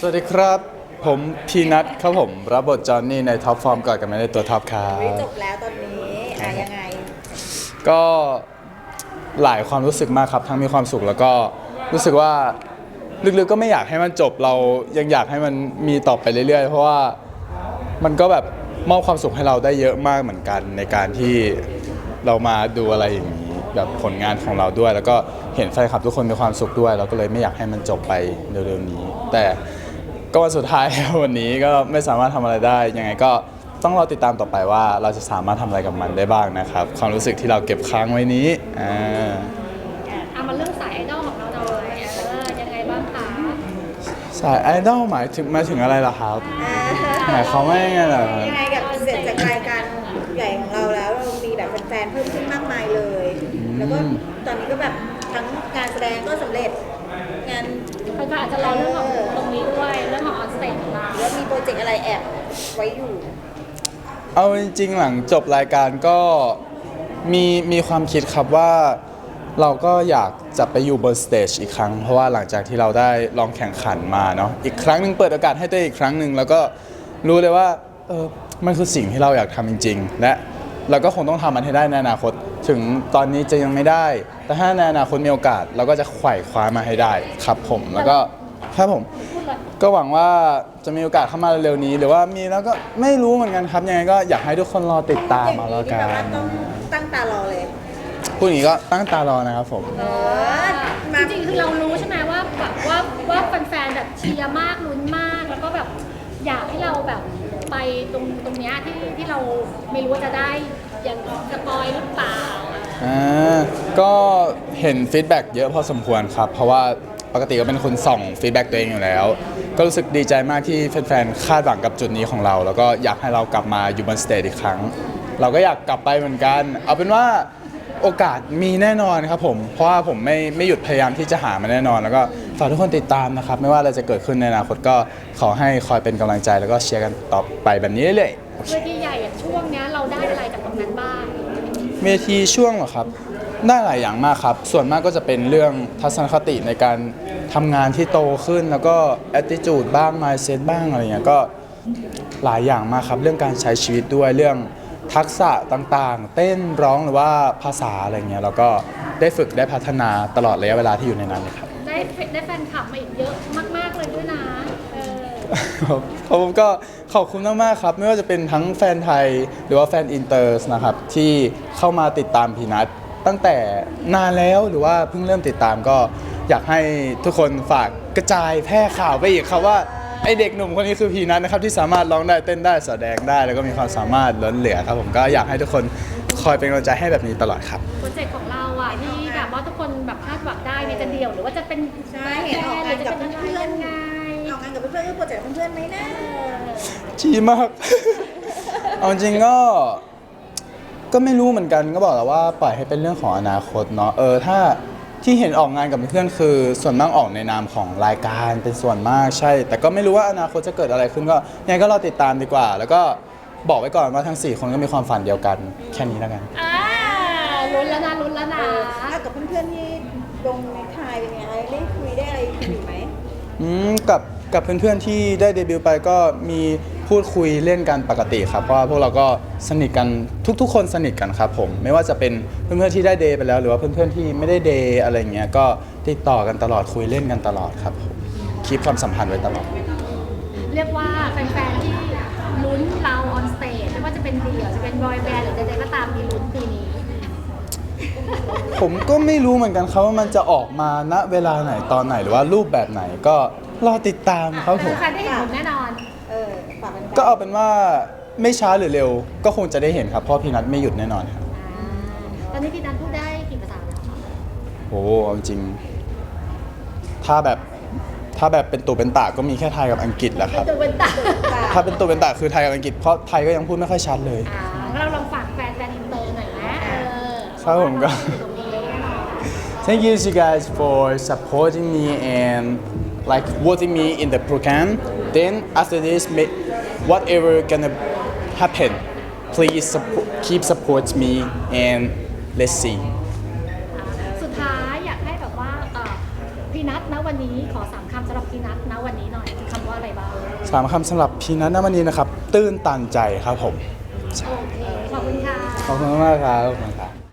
วัสดีครับผมพีนัทครับผมรับบทจอห์นนี่ในท็อปฟอร์มก่อนกันไม่ได้ตัวท็อปครัไม่บจบแล้วตอนนี้ยังไงก็หลายความรู้สึกมากครับทั้งมีความสุขแล้วก็รู้สึกว่าลึกๆก็ไม่อยากให้มันจบเรายังอยากให้มันมีต่อไปเรื่อยๆเพราะว่ามันก็แบบมอบความสุขให้เราได้เยอะมากเหมือนกันในการที่เรามาดูอะไรอย่างนี้แบบผลงานของเราด้วย แล้วก็เห็นแฟนคลับทุกคนมีความสุขด้วยเราก็เลยไม่อยากให้มันจบไปเร็วๆนี้แต่ก็วันสุดท้าย วันนี้ก็ไม่สามารถทำอะไรได้ยังไงก็ต้องรอติดตามต่อไปว่าเราจะสามารถทำอะไรกับมันได้บ้างนะครับความรู้สึกที่เราเก็บค้างไว้นี้เอามาเรื่องสายไอดอลของเราหน่อยยังไงบ้างคะสายไอดอลหมายถึงอะไรล่ะครับหมายความว่ายังไงล่ะครับยังไงกับเสร็จจากรายการใหญ่ของเราแล้วเรามีแบบแฟนๆเพิ่มขึ้นมากมายเลย แล้วก็ตอนนี้ก็แบบทั้งงานแสดงก็สำเร็จงานก็อาจจะรอเรื่องของตรงนี้ด้วยเรื่องของออนสเตจของเราแล้วมีโปรเจกต์อะไรแอบไว้อยู่เอาจริงๆหลังจบรายการก็มีความคิดครับว่าเราก็อยากจะไปอยู่บนสเตจอีกครั้งเพราะว่าหลังจากที่เราได้ลองแข่งขันมาเนาะอีกครั้งหนึ่งเปิดโอกาสให้ตัวเองอีกครั้งหนึ่งแล้วก็รู้เลยว่ามันคือสิ่งที่เราอยากทำจริงๆและเราก็คงต้องทำมันให้ได้ในอนาคตถึงตอนนี้จะยังไม่ได้แต่ถ้าในอนาคตมีโอกาสเราก็จะไขว่คว้ามาให้ได้ครับผมแล้วก็ครับผมก็หวังว่าจะมีโอกาสเข้ามาเร็วๆนี้หรือว่ามีแล้วก็ไม่รู้เหมือนกันครับยังไงก็อยากให้ทุกคนรอติดตามมาแล้วกัอย่างนี้นที่แบบว่าต้องตั้งตารอเลยพูดอย่างนี้ก็ตั้งตารอนะครับผมจริงๆคือเรารู้ใช่ไหมว่าแบบว่าแฟนๆแบบเชียร์มากลุ้นมากแล้วก็แบบอยากให้เราแบบไปตรงเนี้ยที่เราไม่รู้ว่าจะได้ยังสปอยหรือเปล่าก็เห็นฟีดแบ็กเยอะพอสมควรครับเพราะว่าปกติก็เป็นคนส่องฟีดแบ็กตัวเองอยู่แล้วก็รู้สึกดีใจมากที่แฟนๆคาดหวังกับจุดนี้ของเราแล้วก็อยากให้เรากลับมาอยู่บนสเตจอีกครั้งเราก็อยากกลับไปเหมือนกันเอาเป็นว่าโอกาสมีแน่นอนครับผมเพราะว่าผมไม่หยุดพยายามที่จะหามันแน่นอนแล้วก็ฝากทุกคนติดตามนะครับไม่ว่าอะไรจะเกิดขึ้นในอนาคตก็ขอให้คอยเป็นกำลังใจแล้วก็เชียร์กันต่อไปแบบนี้เรื่อยๆเวทีใหญ่ช่วงนี้เราได้อะไรจากตรงนั้นบ้างเวทีช่วงเหรอครับได้หลายอย่างมากครับส่วนมากก็จะเป็นเรื่องทัศนคติในการทำงานที่โตขึ้นแล้วก็ attitude บ้าง mindset บ้างอะไรเงี้ยก็หลายอย่างมากครับเรื่องการใช้ชีวิตด้วยเรื่องทักษะต่างๆเต้นร้องหรือว่าภาษาอะไรเงี้ยเราก็ได้ฝึกได้พัฒนาตลอดระยะเวลาที่อยู่ในนั้นเลยครับได้แฟนคลับมาอีกเยอะมากๆเลยด้วยนะผมก็ขอบคุณมากๆครับไม่ว่าจะเป็นทั้งแฟนไทยหรือว่าแฟนอินเตอร์นะครับที่เข้ามาติดตามพีนัทตั้งแต่นานแล้วหรือว่าเพิ่งเริ่มติดตามก็อยากให้ทุกคนฝากกระจายแพร่ข่าวไปอีกครับว่าไอเด็กหนุ่มคนนี้คือพีนัทนะครับที่สามารถร้องได้เต้นได้แสดงได้แล้วก็มีความสามารถล้นเหลือครับผมก็อยากให้ทุกคนคอยเป็นกำลังใจให้แบบนี้ตลอดครับโปรเจกต์ของเราอ่ะที่แบบว่าทุกคนแบบคาดหวังได้เนี่ยจะเดี่ยวหรือว่าจะเป็นใช่เห็นออกงานกับเพื่อนไงออกงานกับเพื่อนๆโปรเจกต์เพื่อนๆไหมนะชีมาก เอาจริงก็ไม่รู้เหมือนกันก็บอกแล้วว่าปล่อยให้เป็นเรื่องของอนาคตเนาะถ้าที่เห็นออกงานกับเพื่อนคือส่วนมากออกในนามของรายการเป็นส่วนมากใช่แต่ก็ไม่รู้ว่าอนาคตจะเกิดอะไรขึ้นก็ยังไงก็รอติดตามดีกว่าแล้วก็บอกไว้ก่อนว่าทั้ง4คนก็มีความฝันเดียวกันแค่นี้แล้วกันลุ้นแล้วนะกับเพื่อนๆที่ลงในไทยเป็นไงได้คุยได้อะไรอยู่ไหมกับเพื่อนๆที่ได้เดบิวต์ไปก็มีพูดคุยเล่นกันปกติครับเพราะว่าพวกเราก็สนิทกันทุกๆคนสนิทกันครับผมไม่ว่าจะเป็นเพื่อนๆที่ได้เดย์ไปแล้วหรือว่าเพื่อนๆที่ไม่ได้เดย์อะไรเงี้ยก็ติดต่อกันตลอดคุยเล่นกันตลอดครับผมคีปความสัมพันธ์ไว้ตลอดเรียกว่าแฟนๆที่ลุ้นเราออนสเตจไม่ว่าจะเป็นเดี่ยวจะเป็นบอยแบนด์หรือใดๆก็ตามมีลุ้นปีนี้ผมก็ไม่รู้เหมือนกันครับว่ามันจะออกมาณเวลาไหนตอนไหนหรือว่ารูปแบบไหนก็รอติดตามครับผมแฟนได้เห็นผมแน่นอนก็เอาเป็นว่าไม่ช้าหรือเร็วก็คงจะได้เห็นครับเพราะพี่นัทไม่หยุดแน่นอนครับตอนนี้พี่นัทพูดได้กี่ภาษาแล้วคะโอ้จริงถ้าแบบเป็นตัวเป็นตาก็มีแค่ไทยกับอังกฤษแหละครับตัวเป็นตาถ้าเป็นตัวเป็นตาคือไทยกับอังกฤษเพราะไทยก็ยังพูดไม่ค่อยชัดเลยเราลองฝากแฟนอินเตอร์หน่อยนะครับผมก็ Thank you guys for supporting me and like voting me in the program. Then after this, whatever gonna happen, please keep support me and let's see. สุดท้ายอยากให้แบบว่าพี่นัทนะวันนี้ขอสามคำสำหรับพีนัทนะวันนี้หน่อยคือคำว่าอะไรบ้าง 3 คำสำหรับพีนัทณวันนี้นะครับ ตื้นตันใจครับผมโอเค ขอบคุณค่ะขอบคุณมากครับขอบคุณครับ